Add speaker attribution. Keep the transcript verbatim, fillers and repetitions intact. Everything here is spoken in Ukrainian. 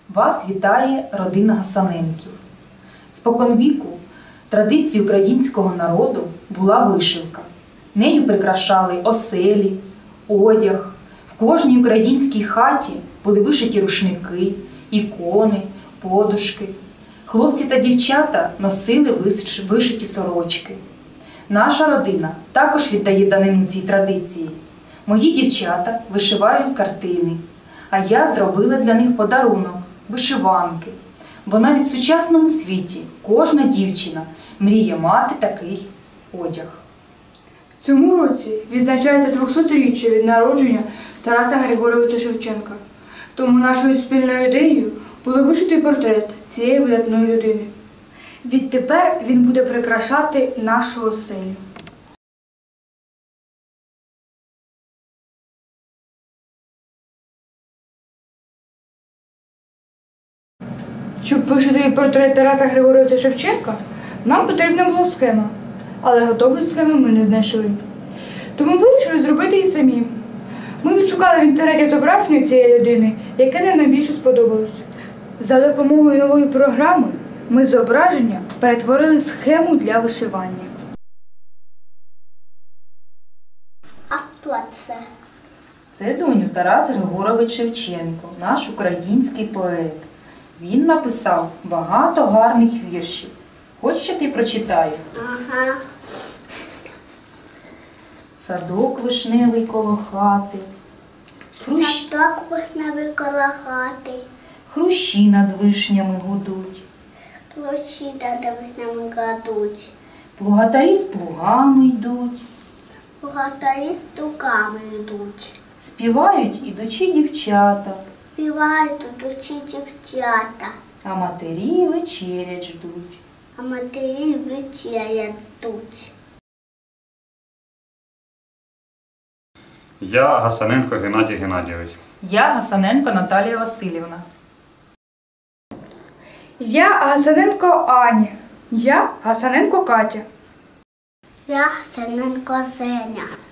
Speaker 1: Вас вітає родина Гасаненків. Споконвіку традиції українського народу була вишивка. Нею прикрашали оселі, одяг. В кожній українській хаті були вишиті рушники, ікони, подушки. Хлопці та дівчата носили вишиті сорочки. Наша родина також віддає данину цій традиції. Мої дівчата вишивають картини, а я зробила для них подарунок – вишиванки. Бо навіть в сучасному світі кожна дівчина мріє мати такий одяг.
Speaker 2: В цьому році відзначається двохсотріччя від народження Тараса Григоровича Шевченка. Тому нашою спільною ідеєю було вишити портрет цієї видатної людини. Відтепер він буде прикрашати нашу оселю. Щоб вишити портрет Тараса Григоровича Шевченка, нам потрібна була схема, але готової схеми ми не знайшли. Тому вирішили зробити її самі. Ми відшукали в інтернеті зображення цієї людини, яке нам найбільше сподобалось. За допомогою нової програми ми з зображення перетворили схему для вишивання.
Speaker 3: А хто це?
Speaker 1: Це, доню, Тарас Григорович Шевченко, наш український поет. Він написав багато гарних віршів. Хочеш, що ти прочитаю?
Speaker 3: Ага.
Speaker 1: Садок вишневий коло хати, хрущ...
Speaker 3: Садок вишневий коло хати,
Speaker 1: хрущі над вишнями гудуть,
Speaker 3: площі над вишнями кладуть,
Speaker 1: плугатарі з плугами йдуть,
Speaker 3: богатарі з туками йдуть,
Speaker 1: співають ідучі дівчата,
Speaker 3: співають ідучі дівчата,
Speaker 1: а матері вечерять ждуть.
Speaker 3: а матері вечерять ждуть.
Speaker 4: Я Гасаненко Геннадій Геннадійович.
Speaker 1: Я Гасаненко Наталія Васильівна.
Speaker 2: Я Гасаненко Аня. Я Гасаненко Катя.
Speaker 3: Я Гасаненко Зеня.